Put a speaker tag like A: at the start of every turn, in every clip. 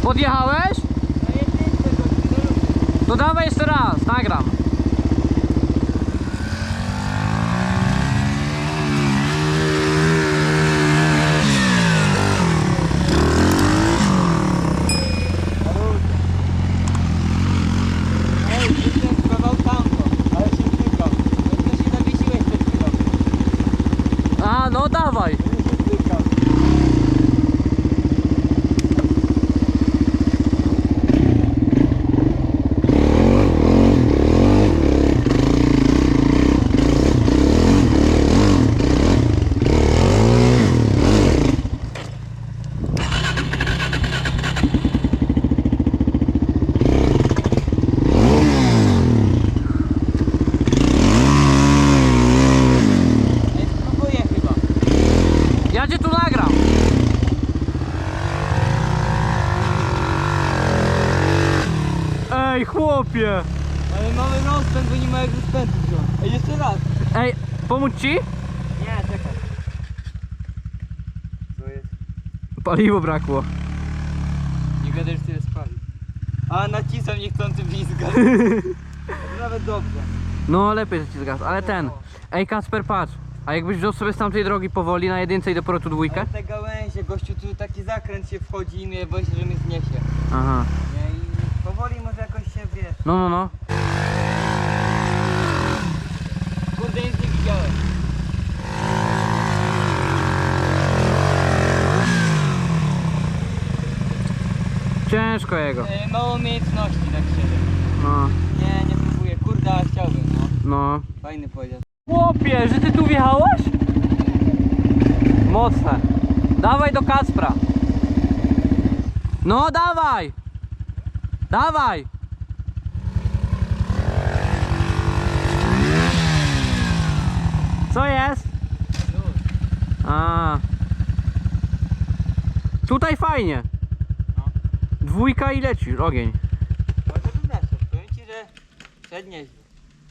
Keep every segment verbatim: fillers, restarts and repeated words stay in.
A: Podjechałeś? To dawaj jeszcze raz, nagram. A, no dawaj. Ja cię tu nagram. Ej, chłopie.
B: Ale mamy rozpęd, bo nie ma jak rozpędu wziąć. Ej, jeszcze raz.
A: Ej, pomóc ci?
B: Nie, czekaj. Co jest?
A: Paliwo brakło.
B: Nie gadaj, że tyle spali. A, nacisam niechcący blizga. Nawet dobrze.
A: No lepiej, że ci zgasł, ale ten. Ej, Kacper, patrz. A jakbyś wziął sobie z tamtej drogi powoli na jedynce i dopiero tu dwójkę?
B: Ale te gałęzie, gościu, tu taki zakręt się wchodzi i mnie boję się, że mnie zniesie.
A: Aha.
B: Nie, i powoli może jakoś się, wiesz.
A: No, no, no.
B: Kurde, nic nie widziałem.
A: Ciężko jego.
B: E, mało umiejętności, tak szczerze.
A: No,
B: Nie, nie próbuję. Kurde, ale chciałbym, no.
A: no.
B: Fajny pojazd.
A: Chłopie, że ty tu wjechałeś? Mocne. Dawaj do Kacpra. No dawaj. Dawaj. Co jest? A. Tutaj fajnie.
B: No.
A: Dwójka i leci ogień.
B: Może bym zeszedł. Powiem ci, że szedł nieźle.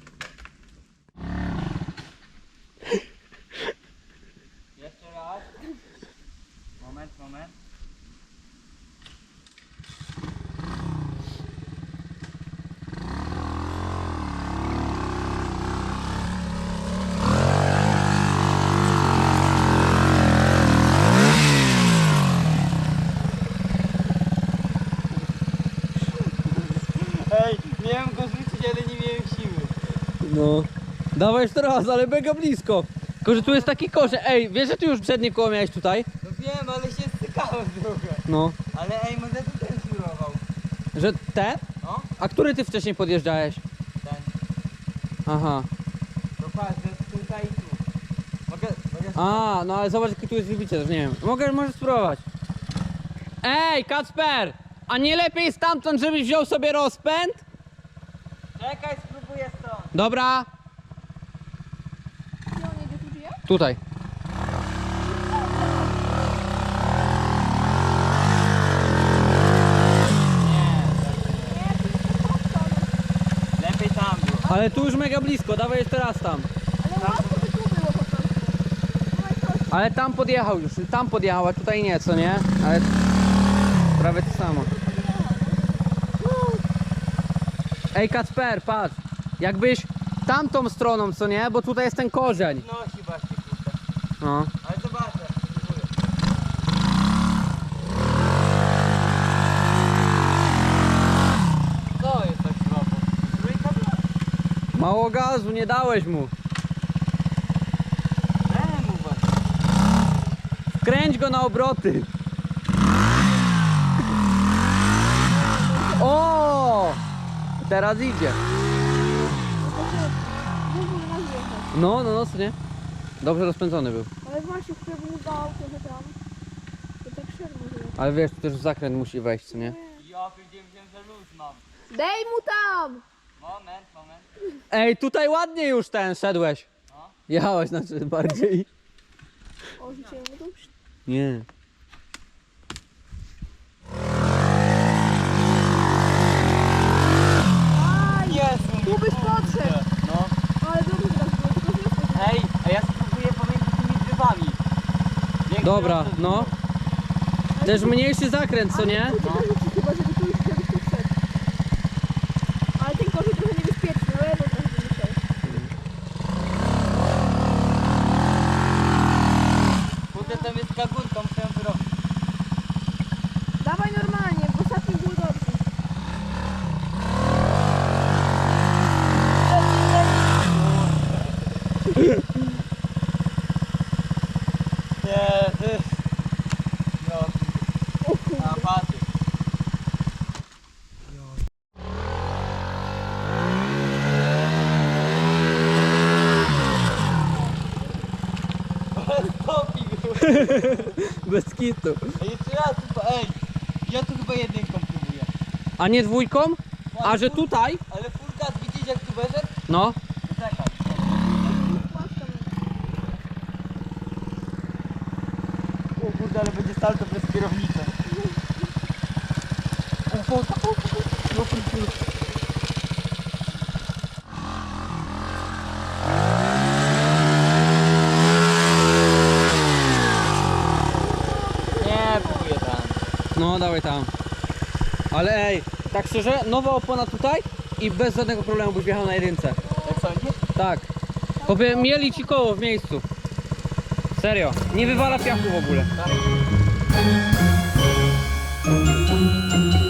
B: Jeszcze raz. Moment, moment. Ej, miałem go rzucić, ale nie miałem siły.
A: No. Dawaj jeszcze raz, ale mega blisko. Tylko, że tu jest taki korzeń. Ej, wiesz, że ty już przednie koło miałeś tutaj?
B: No wiem, ale się stykałem trochę.
A: No.
B: Ale ej, może tu ten żurował.
A: Że ten?
B: No,
A: A który ty wcześniej podjeżdżałeś?
B: ten.
A: Aha.
B: To patrz, że tutaj i tu. Mogę, mogę...
A: A, no ale zobacz, jaki tu jest wybicie, też nie wiem. Mogę, możesz spróbować. Ej, Kacper! A nie lepiej stamtąd, żebyś wziął sobie rozpęd?
B: Czekaj, spróbuję stąd.
A: Dobra.
C: Gdzie on jedzie, tu żyje?
A: Tutaj.
B: Nie,
C: Nie, tu jest to stronę.
B: lepiej tam było.
A: Ale tu już mega blisko, dawaj jeszcze raz tam.
C: Ale łatwo by tu było po prostu. Dawaj proszę.
A: Ale tam podjechał już, tam podjechał, a tutaj nie, co nie? Ale prawie to samo. Ej, Kacper, patrz. Jakbyś tamtą stroną, co nie? Bo tutaj jest ten korzeń.
B: Nosi właśnie, kurde.
A: No.
B: Ale zobaczę. Spróbuję. Co jest tak słabo? Trójka była?
A: Mało gazu, nie dałeś mu.
B: Czemu właśnie?
A: Kręć go na obroty. O! Teraz idzie.
C: Mógłby nas jechać.
A: No, no, no, co nie? Dobrze rozpędzony był.
C: Ale właśnie, który mu dał trochę tam. To tak szermo było.
A: Ale wiesz, tu też w zakręt musi wejść, co nie?
B: Ja powiedziałem, że luz mam.
C: Dej mu tam!
B: Moment, moment.
A: Ej, tutaj ładnie już ten szedłeś.
B: No.
A: Jechałeś znaczy bardziej.
C: O, rzuciłem mu tu.
A: Nie.
C: Aj!
B: Jezu,
C: Tu byś
B: kurde.
C: podszedł.
B: No.
C: Ale dobrze teraz było, tylko że jesteś.
B: Ej, a ja spróbuję pomiędzy tymi drzewami. Większy
A: Dobra,
B: rozrzut
A: no.
B: był.
A: Też mniejszy zakręt, co nie?
C: Tu cię dorzuci chyba, żeby tu, żebyś tu wszedł. Ale ten korzeń trochę niebezpieczny, no ja to trochę myślę.
B: Kurde, tam jest taka górka, muszę ją wyrobić.
C: Dawaj normalnie, w ostatnim było dobrze.
B: Nie, ty. No. A, patrz. Stopi go.
A: Bez kitu.
B: Ej, jeszcze raz chyba, ej. Ja tu chyba jedynką próbuję.
A: A nie dwójką? A że tutaj?
B: Ale full gas, widzisz jak tu wyszedł?
A: No.
B: Czekaj. O kurde, ale będzie salto bez kierownicy. O, o, o, o, o. No, kurde. Nie, próbuję tam.
A: No, dawaj tam. Ale ej, tak szczerze, nowa opona tutaj i bez żadnego problemu byś wjechał na jedynce.
B: Jak sądzisz?
A: Tak. Chłopie, mieli ci koło w miejscu. Serio. Nie wywala piachu w ogóle.
B: Tak.